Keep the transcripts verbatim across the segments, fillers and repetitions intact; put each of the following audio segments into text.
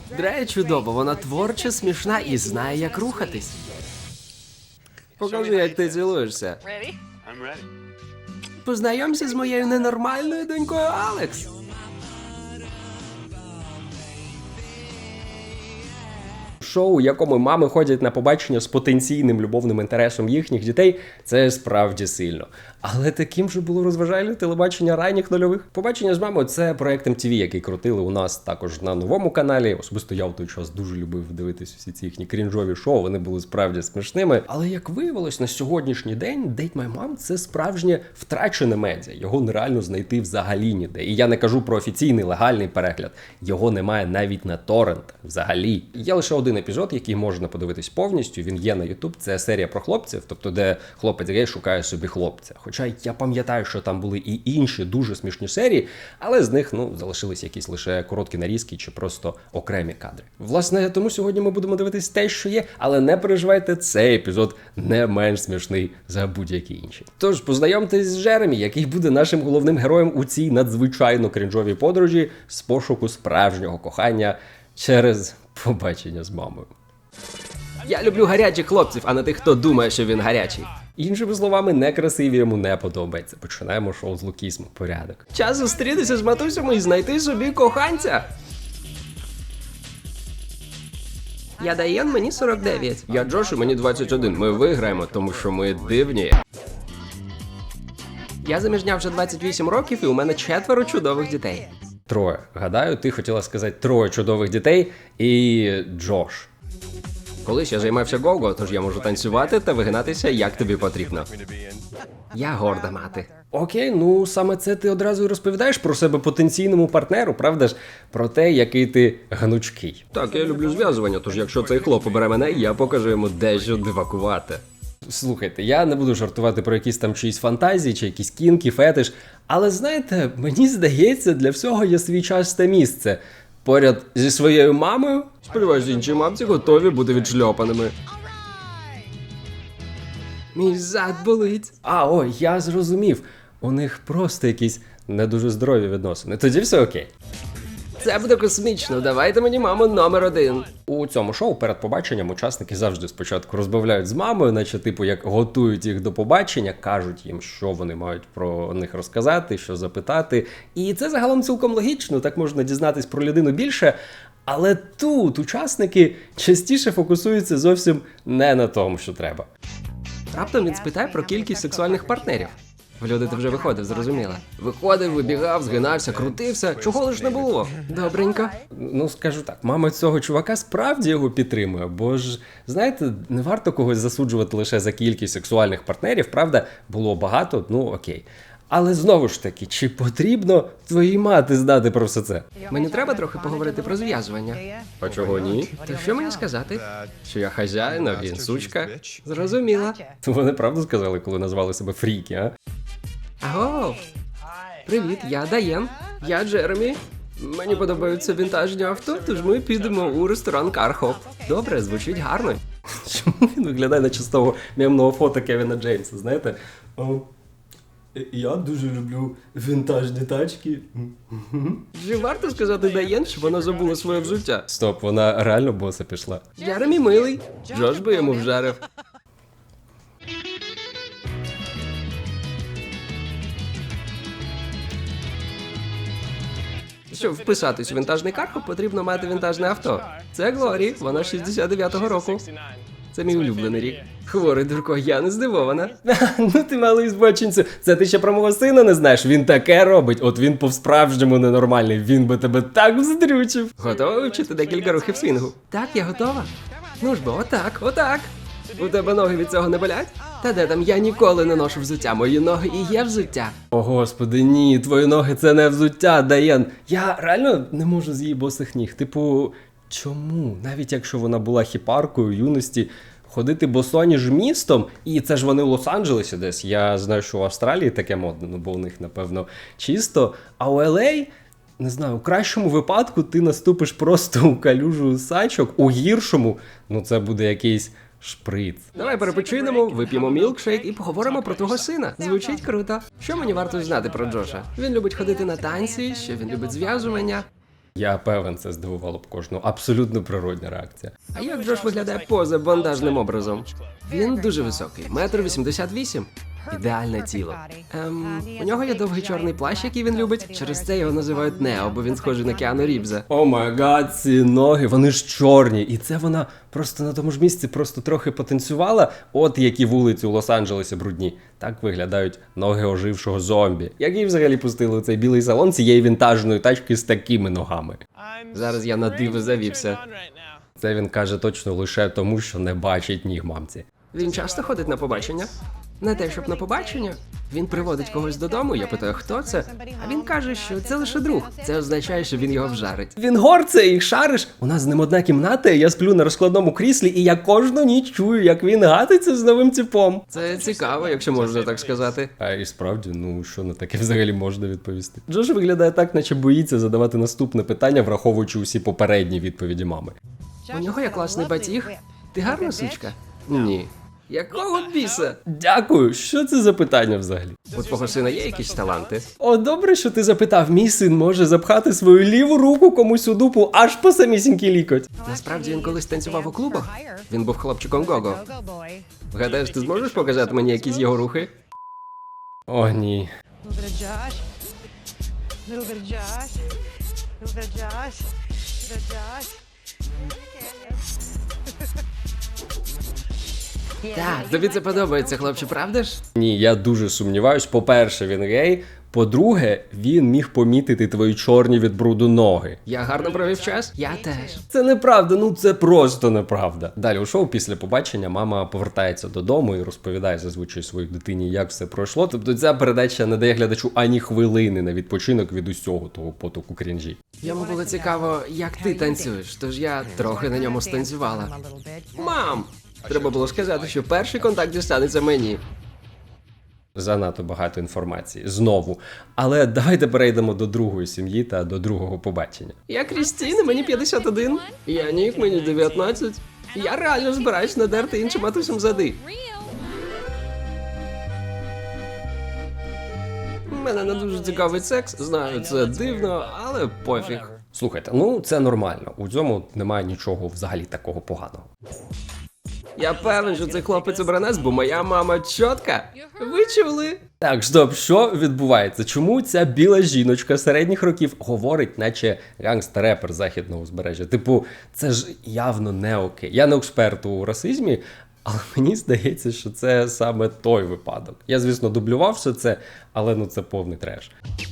Дрея чудово, вона творча, смішна і знає, як рухатись. Покажи, як ти цілуєшся. Познайомся з моєю ненормальною донькою Алекс. Шоу, у якому мами ходять на побачення з потенційним любовним інтересом їхніх дітей, це справді сильно. Але таким же було розважальне телебачення ранніх нульових. Побачення з мамою – це проект ем ті ві, який крутили у нас також на новому каналі. Особисто я в той час дуже любив дивитися всі ці їхні крінжові шоу, вони були справді смішними. Але як виявилось, на сьогоднішній день Date My Mom – це справжнє втрачене медіа. Його нереально знайти взагалі ніде. І я не кажу про офіційний легальний перегляд. Його немає навіть на торрентах взагалі. Є лише один епізод, який можна подивитись повністю, він є на YouTube, це серія про хлопців, тобто де хлопець гей шукає собі хлопця. Хоча я пам'ятаю, що там були і інші дуже смішні серії, але з них, ну, залишились якісь лише короткі нарізки чи просто окремі кадри. Власне, тому сьогодні ми будемо дивитись те, що є, але не переживайте, цей епізод не менш смішний за будь-які інші. Тож, познайомтесь з Джеремі, який буде нашим головним героєм у цій надзвичайно крінжовій подорожі з пошуку справжнього кохання через побачення з мамою. Я люблю гарячих хлопців, а не тих, хто думає, що він гарячий. Іншими словами, некрасиві йому не подобається. Починаємо шоу з лукізму. Порядок. Час зустрітися з матусями і знайти собі коханця. Я Дайен, мені сорок дев'ять. Я Джош, і мені двадцять один. Ми виграємо, тому що ми дивні. Я заміжня вже двадцять вісім років, і у мене четверо чудових дітей. Троє. Гадаю, ти хотіла сказати троє чудових дітей і Джош. Колись я займався го-го, тож я можу танцювати та вигинатися, як тобі потрібно. Я горда мати. Окей, ну саме це ти одразу і розповідаєш про себе потенційному партнеру, правда ж? Про те, який ти гнучкий. Так, я люблю зв'язування, тож якщо цей хлоп обере мене, я покажу йому дещо дивакувати. Слухайте, я не буду жартувати про якісь там чиїсь фантазії, чи якісь кінки, фетиш, але знаєте, мені здається, для всього є свій час та місце. Поряд зі своєю мамою, сподіваюсь, інші мамці готові бути відшльопаними. Мій зад болить. А, ой, я зрозумів. У них просто якісь не дуже здорові відносини. Тоді все окей. Це буде космічно, давайте мені маму номер один. У цьому шоу перед побаченням учасники завжди спочатку розмовляють з мамою, наче типу як готують їх до побачення, кажуть їм, що вони мають про них розказати, що запитати. І це загалом цілком логічно, так можна дізнатись про людину більше. Але тут учасники частіше фокусуються зовсім не на тому, що треба. Раптом він спитає про кількість сексуальних партнерів. В люди ти вже виходив, зрозуміла. Виходив, вибігав, згинався, крутився, чого лиш не було. Добренько. Ну, скажу так, мама цього чувака справді його підтримує, бо ж, знаєте, не варто когось засуджувати лише за кількість сексуальних партнерів, правда, було багато, ну окей. Але знову ж таки, чи потрібно твоїй мати знати про все це? Мені треба трохи поговорити про зв'язування. А чого ні? То що мені сказати? Що я хазяїн, а він сучка? Зрозуміла. Вони правду сказали, коли назвали себе фріки, а? Аго! Привіт, я Дайен. Я Джеремі. Мені подобаються вінтажні авто, тож ми підемо у ресторан Кархоп. Добре, звучить гарно. Чому він виглядає на чистого мемного фото Кевіна Джеймса, знаєте? О, я дуже люблю вінтажні тачки. Чи варто сказати Дайен, що вона забула своє взуття? Стоп, вона реально боса пішла. Джеремі милий. Джош би йому вжарив. Щоб вписатись у вінтажний Кархоп, потрібно мати вінтажне авто. Це Глорі, вона шістдесят дев'ятого року. Це мій улюблений рік. Хворий дурко, я не здивована. Ну ти малий збочинцю, це ти ще про мого сина не знаєш? Він таке робить, от він по-справжньому ненормальний, він би тебе так вздрючив. Готова вивчити декілька рухів свінгу? Так, я готова. Ну ж бо, отак, отак. У тебе ноги від цього не болять? Та де там, я ніколи не ношу взуття, мої ноги і є взуття. О господи, ні, твої ноги це не взуття, Дайен. Я реально не можу з її босих ніг. Типу, чому? Навіть якщо вона була хіпаркою юності, ходити босоніж містом, і це ж вони в Лос-Анджелесі десь, я знаю, що в Австралії таке модно, ну бо у них, напевно, чисто, а у Ел Ей, не знаю, у кращому випадку ти наступиш просто у калюжу сачок, у гіршому, ну це буде якийсь шприц. Давай перепочинемо, вип'ємо мілкшейк і поговоримо про твого сина. Звучить круто. Що мені варто знати про Джоша? Він любить ходити на танці, що він любить зв'язування. Я певен, це здивувало б кожного. Абсолютно природня реакція. А як Джош виглядає поза бандажним образом? Він дуже високий, метр вісімдесят вісім. Ідеальне тіло. Ем, у нього є довгий чорний плащ, який він любить. Через це його називають Нео, бо він схожий на Кіану Рівза. О май гад, ці ноги, вони ж чорні. І це вона просто на тому ж місці просто трохи потанцювала. От які вулиці у Лос-Анджелесі брудні. Так виглядають ноги ожившого зомбі. Як її взагалі пустили у цей білий салон цієї вінтажної тачки з такими ногами? Зараз я на диво завівся. Це він каже точно лише тому, що не бачить ніг мамці. Він часто ходить на побачення? Не те, щоб на побачення. Він приводить когось додому, я питаю, хто це? А він каже, що це лише друг. Це означає, що він його вжарить. Він горце і шариш. У нас з ним одна кімната, і я сплю на розкладному кріслі, і я кожну ніч чую, як він гатиться з новим типом. Це цікаво, якщо можна так сказати. А і справді, ну що на таке взагалі можна відповісти? Джош виглядає так, наче боїться задавати наступне питання, враховуючи усі попередні відповіді мами. У нього є класний батіг. Ти гарна сучка? Ні. Якого біса? Дякую. Що це за питання взагалі? У твого сина є якісь таланти? О, добре, що ти запитав. Мій син може запхати свою ліву руку комусь у дупу аж по самісінький лікоть. Насправді він колись танцював у клубах. Він був хлопчиком Гого. Гадаєш, ти зможеш показати мені якісь його рухи? О, ні. Little bit of Josh. Little bit of Josh. Little bit of Josh. Little Josh. Так, тобі це подобається, хлопче, правда ж? Ні, я дуже сумніваюсь. По-перше, він гей. По-друге, він міг помітити твої чорні від бруду ноги. Я гарно провів час? Я теж. Це неправда, ну це просто неправда. Далі у шоу після побачення мама повертається додому і розповідає зазвичай своїй дитині, як все пройшло. Тобто ця передача не дає глядачу ані хвилини на відпочинок від усього того потоку крінжі. Йому було цікаво, як ти танцюєш, тож я трохи на ньому станцювала. Мам! Треба було сказати, що перший контакт дістанеться мені. Занадто багато інформації. Знову. Але давайте перейдемо до другої сім'ї та до другого побачення. Я Крістіна, мені п'ятдесят один. Я Нік, мені дев'ятнадцять. Я реально збираюсь надерти іншим матусям зади. Мене не дуже цікавий секс. Знаю, це дивно, але пофіг. Слухайте, ну це нормально. У цьому немає нічого взагалі такого поганого. Я певен, що цей хлопець обранець, бо моя мама чотка. Ви чули? Так, стоп, що відбувається? Чому ця біла жіночка середніх років говорить, наче гангстер-репер західного узбережжя? Типу, це ж явно не окей. Я не експерт у расизмі, але мені здається, що це саме той випадок. Я, звісно, дублював все це, але ну це повний треш.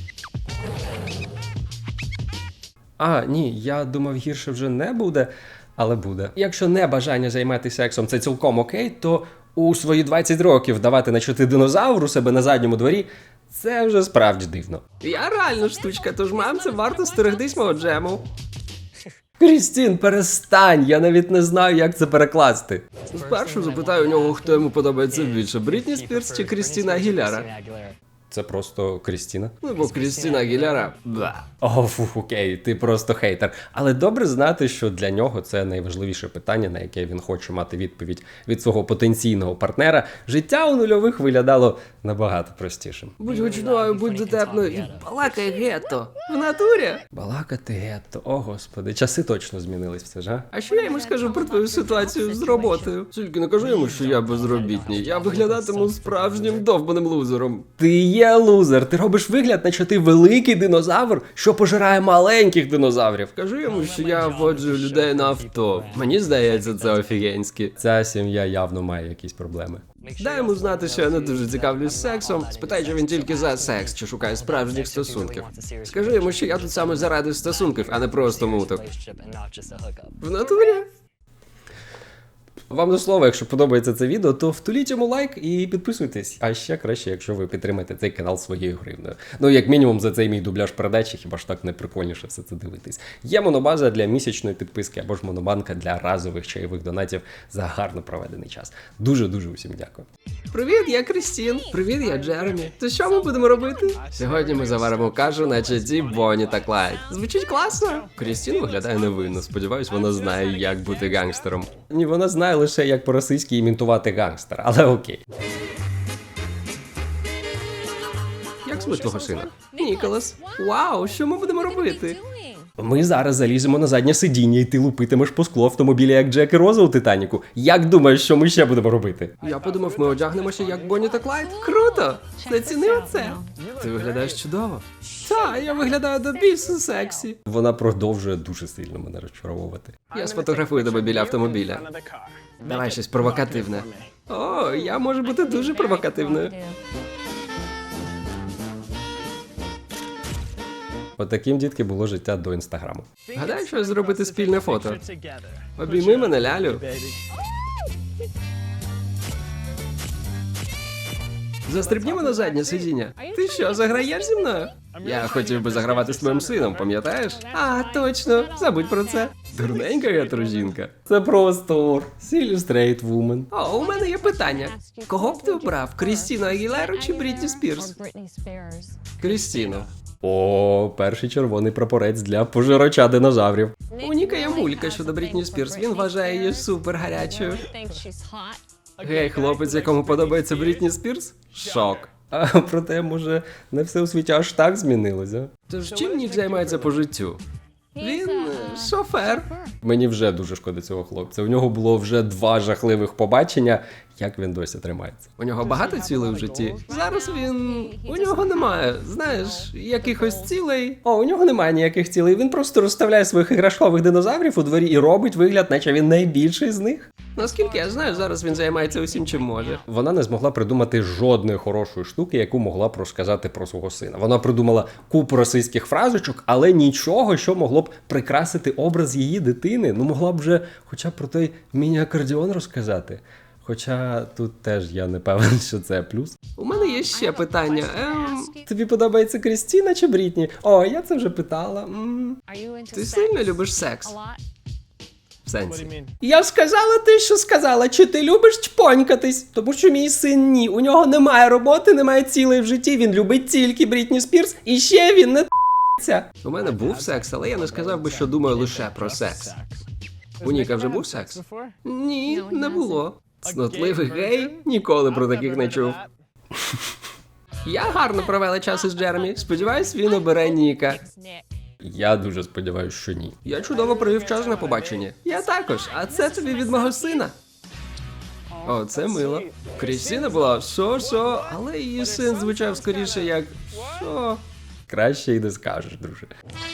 А, ні, я думав, гірше вже не буде. Але буде. Якщо не бажання займатися сексом це цілком окей, то у свої двадцять років давати начати динозавр у себе на задньому дворі – це вже справді дивно. Я реально штучка, тож мамці варто стерегтись мого джему. Крістін, перестань, я навіть не знаю, як це перекласти. Спершу запитаю у нього, хто йому подобається більше, Брітні Спірс чи Крістіна Агіляра. Це просто Крістіна? Ну, бо Крістіна Агіляра. Бла. О, фу, окей, ти просто хейтер. Але добре знати, що для нього це найважливіше питання, на яке він хоче мати відповідь від свого потенційного партнера. Життя у нульових виглядало набагато простішим. Будь гучною, будь дотепною і балакай гетто. В натурі? Балакати гетто, о господи, часи точно змінились все ж, а? А що я йому скажу про твою ситуацію з роботою? Тільки не кажу йому, що я безробітний. Я виглядатиму справжнім довбаним лузером. Ти є лузер, ти робиш вигляд, наче ти великий динозавр, що пожирає маленьких динозаврів. Кажу йому, що я воджу людей на авто. Мені здається, це офігенськи. Ця сім'я явно має якісь проблеми. Дай йому знати, що я не дуже цікавлюсь сексом. Спитай, чи він тільки за секс, чи шукає справжніх стосунків. Скажи йому, що я тут саме заради стосунків, а не просто муток. В натурі? Вам до слова, якщо подобається це відео, то втуліть йому лайк і підписуйтесь. А ще краще, якщо ви підтримаєте цей канал своєю гривнею. Ну, як мінімум, за цей мій дубляж передачі, хіба ж так не прикольніше все це дивитись. Є монобаза для місячної підписки, або ж монобанка для разових чайових донатів за гарно проведений час. Дуже-дуже усім дякую. Привіт, я Крістін. Привіт, я Джеремі. То що ми будемо робити? Сьогодні ми заваримо кашу на чаді Бонні та Клайд. Звучить класно. Крістін виглядає невинно. Сподіваюсь, вона знає, як бути гангстером. Ні, вона знає лише, як по-російськи імітувати гангстера, але окей. Як звуть твого сина? Ніколас. Вау, що ми будемо робити? Ми зараз заліземо на заднє сидіння, і ти лупитимеш по склу автомобіля, як Джек і Роза у Титаніку. Як думаєш, що ми ще будемо робити? Я подумав, ми одягнемося як Бонні та Клайд. Круто! Зацінив це? Ти виглядаєш чудово. Та, я виглядаю до бісу сексі. Вона продовжує дуже сильно мене розчаровувати. Я сфотографую тебе біля автомобіля. Давай щось провокативне. О, я можу бути дуже провокативною. Отаким, дітки, було життя до інстаграму. Гадаю, що зробити спільне фото. Обійми мене, лялю. Застрибнімо на заднє сидіння. Ти що, заграєш зі мною? Я хотів би загравати з твоїм сином, пам'ятаєш? А, точно, забудь про це. Дурненька гетерожінка. Це просто Silly Straight Woman. О, у мене є питання. Кого б ти обрав? Крістіну Агілеру чи Брітні Спірс? Крістіну. О, перший червоний прапорець для пожирача динозаврів. У Ніка є мулька щодо Брітні Спірс. Він вважає її супер гарячою. Гей, хлопець, якому подобається Брітні Спірс? Шок. А проте, може, не все у світі аж так змінилося. Тож чим Нік займається по життю? Він е, шофер. Мені вже дуже шкода цього хлопця. У нього було вже два жахливих побачення. Як він досі тримається? У нього багато цілей в житті. Зараз він... У нього немає, знаєш, якихось цілей. О, у нього немає ніяких цілей. Він просто розставляє своїх іграшкових динозаврів у дворі і робить вигляд, наче він найбільший з них. Наскільки я знаю, зараз він займається усім, чим може. Вона не змогла придумати жодної хорошої штуки, яку могла б розказати про свого сина. Вона придумала купу російських фразочок, але нічого, що могло б прикрасити образ її дитини. Ну, могла б вже хоча б про той міні-акордіон розказати. Хоча тут теж я не певен, що це плюс. У мене є ще питання. Ем, тобі подобається Крістіна чи Брітні? О, я це вже питала. М. Ти сильно любиш секс? В сенсі. Я сказала те, що сказала. Чи ти любиш чпонькатись? Тому що мій син ні. У нього немає роботи, немає цілей в житті. Він любить тільки Брітні Спірс. І ще він не т***ться. У мене був секс, але я не сказав би, що думаю лише про секс. У Ніка вже був секс? Ні, не було. Цнотливий гей? Ніколи про таких не чув. Я гарно провела час із Джеремі. Сподіваюсь, він обере Ніка. Я дуже сподіваюся, що ні. Я чудово провів час на побаченні. Я також, а це тобі від мого сина. О, це мило. Крістіна була шо-шо, але її син звучав скоріше як шо. Краще й не скажеш, друже.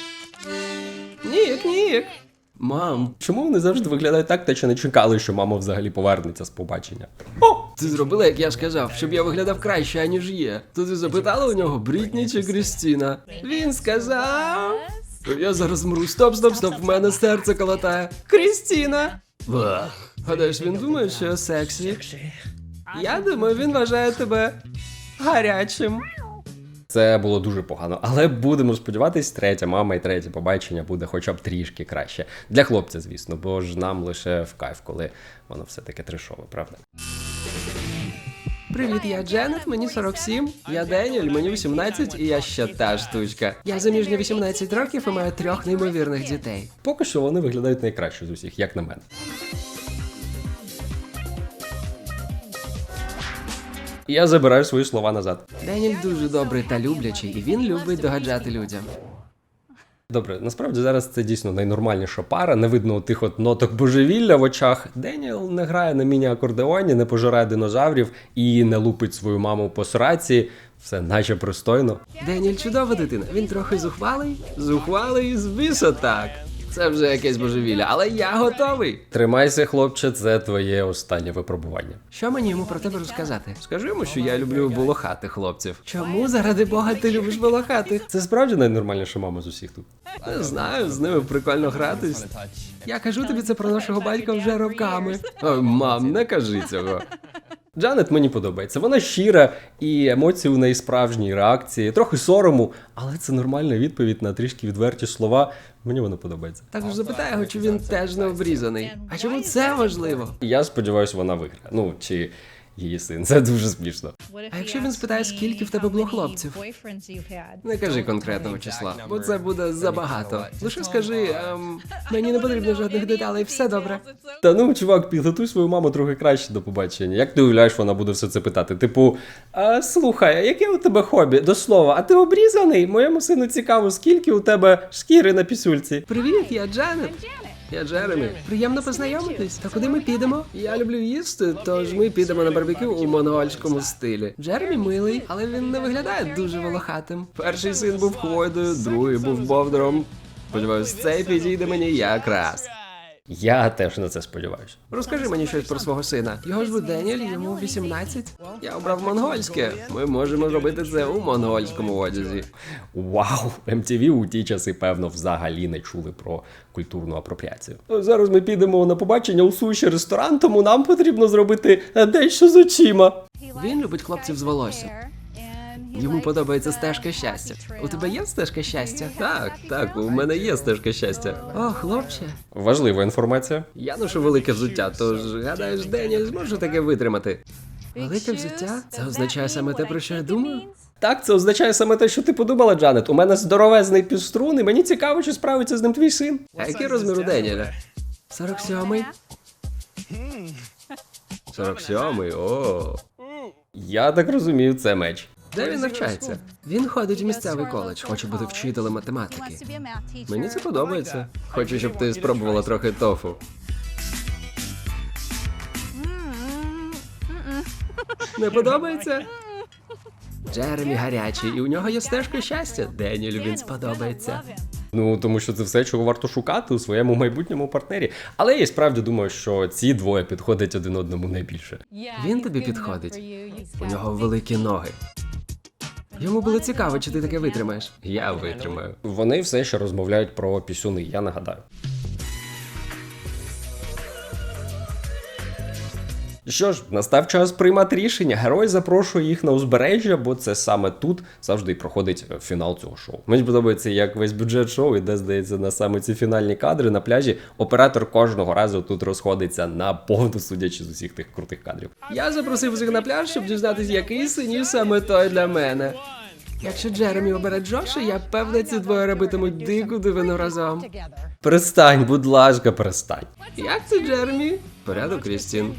Нік, Нік. Мам, чому вони завжди виглядають так, наче не чекали, що мама взагалі повернеться з побачення? О! Ти зробила, як я сказав, щоб я виглядав краще, аніж є. То ти запитала у нього, Брітні чи Крістіна? Він сказав... Я зараз мру. Стоп, стоп, стоп, в мене серце колотає. Крістіна! Вах. Гадаєш, він думає, що я сексі? Я думаю, він вважає тебе гарячим. Це було дуже погано, але будемо сподіватись, третя мама і третє побачення буде хоча б трішки краще. Для хлопця, звісно, бо ж нам лише в кайф, коли воно все-таки трешове, правда? Привіт, я Дженет, мені сорок сім, я Деніль, мені вісімнадцять, і я ще та штучка. Я заміжня вісімнадцять років і маю трьох неймовірних дітей. Поки що вони виглядають найкраще з усіх, як на мене. Я забираю свої слова назад. Деніль дуже добрий та люблячий, і він любить догаджати людям. Добре, насправді зараз це дійсно найнормальніша пара, не видно тих от ноток божевілля в очах. Деніел не грає на міні-акордеоні, не пожирає динозаврів і не лупить свою маму по сраці. Все наче пристойно. Деніль чудова дитина, він трохи зухвалий. Зухвалий з біса так. Це вже якесь божевілля, але я готовий. Тримайся, хлопче, це твоє останнє випробування. Що мені йому про тебе розказати? Скажи йому, що я люблю волохатих хлопців. Чому, заради Бога, ти любиш волохатих? Це справді найнормальніша мама з усіх тут. Не знаю, з ними прикольно гратись. Я кажу тобі це про нашого батька вже роками. Ой, мам, не кажи цього. Джанет мені подобається. Вона щира, і емоції у неї справжні, реакції, трохи сорому, але це нормальна відповідь на трішки відверті слова. Мені воно подобається. Також запитаю його, чи він теж не обрізаний. А чому це важливо? Я сподіваюся, вона виграє. Ну, чи її син. Це дуже смішно. А якщо він спитає, скільки в тебе було хлопців? Не кажи конкретного числа, бо це буде забагато. Лише скажи, ем, мені не потрібно жодних деталей, все добре. Та ну, чувак, підготуй свою маму трохи краще до побачення. Як ти уявляєш, вона буде все це питати? Типу, а, слухай, а яке у тебе хобі? До слова, а ти обрізаний? Моєму сину цікаво, скільки у тебе шкіри на пісюльці. Привіт, я Джанет. Я Джеремі. Приємно познайомитись. Та куди ми підемо? Я люблю їсти, тож ми підемо на барбекю у монгольському стилі. Джеремі милий, але він не виглядає дуже волохатим. Перший син був хвойдою, другий був бовдуром. Сподіваюсь, цей підійде мені якраз. Я теж на це сподіваюся. Розкажи мені щось про свого сина. Його звуть Деніель, йому вісімнадцять. Я обрав монгольське. Ми можемо робити це у монгольському одязі. Вау! ем ті ві у ті часи, певно, взагалі не чули про культурну апропріацію. Зараз ми підемо на побачення у суші ресторан, тому нам потрібно зробити дещо з очима. Він любить хлопців з волоссям. Йому подобається стежка щастя. У тебе є стежка щастя? Так, так, у мене є стежка щастя. О, хлопче. Важлива інформація. Я ношу велике взуття, тож гадаєш, Деніель зможе таке витримати. Велике взуття? Це означає саме те, про що я думаю? Так, це означає саме те, що ти подумала, Джанет. У мене здоровезний півструн, і мені цікаво, чи справиться з ним твій син. А який розмір у Деніеля? сорок сьомий. сорок сьомий, о. Я так розумію, це меч. Де він навчається? Він ходить у місцевий коледж, хоче бути вчителем математики. Мені це подобається. Хочу, щоб ти спробувала трохи тофу. Не подобається? Джеремі гарячий, і у нього є стежка щастя. Деніелю він сподобається. Ну, тому що це все, чого варто шукати у своєму майбутньому партнері. Але я і справді думаю, що ці двоє підходять один одному найбільше. Він тобі підходить. У нього великі ноги. Йому було цікаво, чи ти таке витримаєш. Я витримаю. Вони все ще розмовляють про пісюни, я нагадаю. Що ж, настав час приймати рішення. Герой запрошує їх на узбережжя, бо це саме тут завжди проходить фінал цього шоу. Мені подобається, як весь бюджет шоу іде, здається, на саме ці фінальні кадри на пляжі. Оператор кожного разу тут розходиться на повну, судячи з усіх тих крутих кадрів. Я запросив всіх на пляж, щоб дізнатися, який синів саме той для мене. Якщо Джеремі обере Джоша, я певна, ці двоє робитимуть дику дивину разом. Перестань, будь ласка, перестань. Як це, Джеремі? Порядок, Крістін.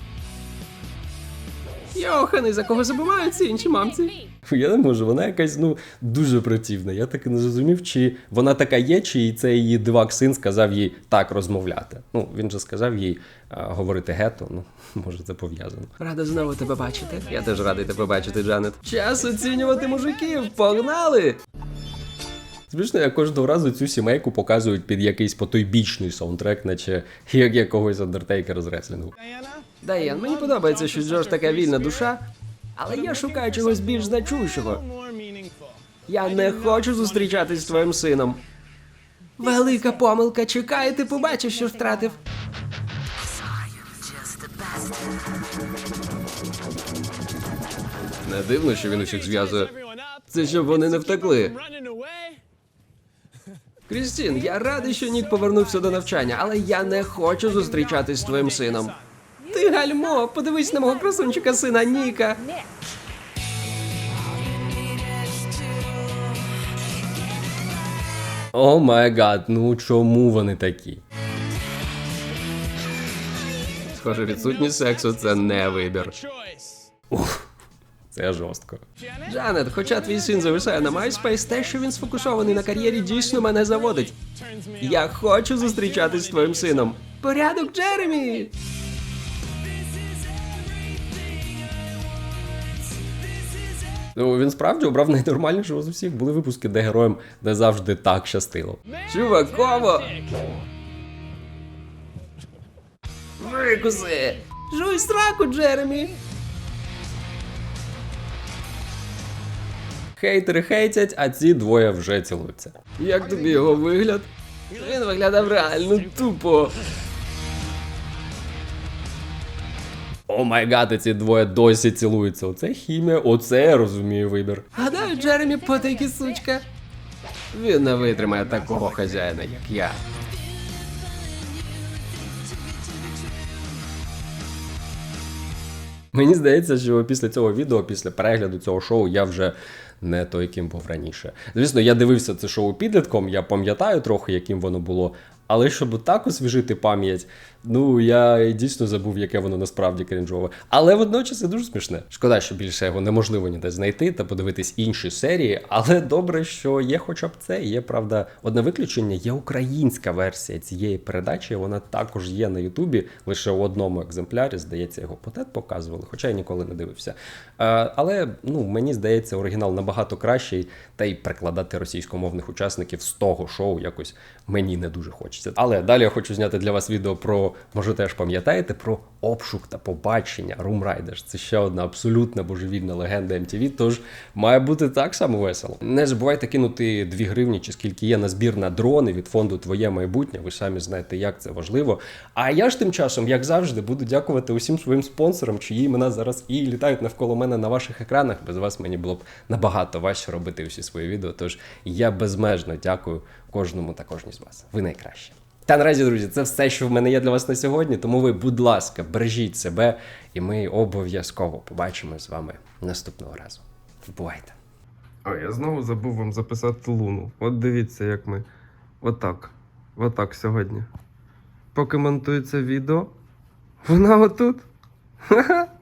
Йоханий, за кого забувають ці інші мамці? Я не можу, вона якась, ну, дуже противна. Я так і не зрозумів, чи вона така є, чи це її дивак син сказав їй так розмовляти. Ну, він же сказав їй а, говорити гето, ну, може це пов'язано. Рада знову тебе бачити. Я теж радий тебе бачити, Джанет. Час оцінювати мужиків, погнали! Звісно, як кожного разу цю сімейку показують під якийсь потойбічний саундтрек, наче як якогось Андертейкера з реслінгу. Дайан, мені подобається, що Джош така вільна душа, але я шукаю чогось більш значущого. Я не хочу зустрічатись з твоїм сином. Велика помилка, чекай, ти побачиш, що втратив. Не дивно, що він усіх зв'язує. Це щоб вони не втекли. Крістін, я радий, що Нік повернувся до навчання, але я не хочу зустрічатись з твоїм сином. Ти гальмо, подивись на мого красунчика сина Ніка. О май гад, ну чому вони такі? Схоже, відсутність сексу – це не вибір. Ух, це жорстко. Джанет, хоча твій син зависає на MySpace, те, що він сфокусований на кар'єрі, дійсно мене заводить. Я хочу зустрічатись з твоїм сином. Порядок, Джеремі! Ну, він справді обрав найнормальнішого з усіх. Були випуски, де героям не завжди так щастило. Чуваково! Викуси! Жуй сраку, Джеремі! Хейтери хейтять, а ці двоє вже цілуються. Як тобі його вигляд? Він виглядав реально тупо. О май гад, ці двоє досі цілуються. Оце хімія, оце я розумію вибір. Гадаю, Джеремі потайки сучка. Він не витримає такого хазяїна, як я. Мені здається, що після цього відео, після перегляду цього шоу, я вже не той, яким був раніше. Звісно, я дивився це шоу підлітком, я пам'ятаю трохи, яким воно було. Але щоб так освіжити пам'ять, ну я дійсно забув, яке воно насправді крінжове. Але водночас це дуже смішне. Шкода, що більше його неможливо ніде знайти та подивитись інші серії. Але добре, що є хоча б це. Є, правда, одне виключення, є українська версія цієї передачі. Вона також є на Ютубі, лише у одному екземплярі. Здається, його потет показували, хоча я ніколи не дивився. Е, але ну мені здається, оригінал набагато кращий, та й перекладати російськомовних учасників з того шоу якось мені не дуже хочеться. Але далі я хочу зняти для вас відео про, може теж пам'ятаєте, про обшук та побачення Room Raiders. Це ще одна абсолютно божевільна легенда ем ті ві, тож має бути так само весело. Не забувайте кинути дві гривні, чи скільки є на збір на дрони від фонду «Твоє майбутнє». Ви самі знаєте, як це важливо. А я ж тим часом, як завжди, буду дякувати усім своїм спонсорам, чиї імена зараз і літають навколо мене на ваших екранах. Без вас мені було б набагато важче робити усі свої відео, тож я безмежно дякую кожному та кожній з вас. Ви найкращі. Та наразі, друзі, це все, що в мене є для вас на сьогодні, тому ви, будь ласка, бережіть себе, і ми обов'язково побачимось з вами наступного разу. Бувайте! А, я знову забув вам записати луну. От дивіться, як ми отак, отак сьогодні. Поки монтується відео, вона отут. Ха-ха.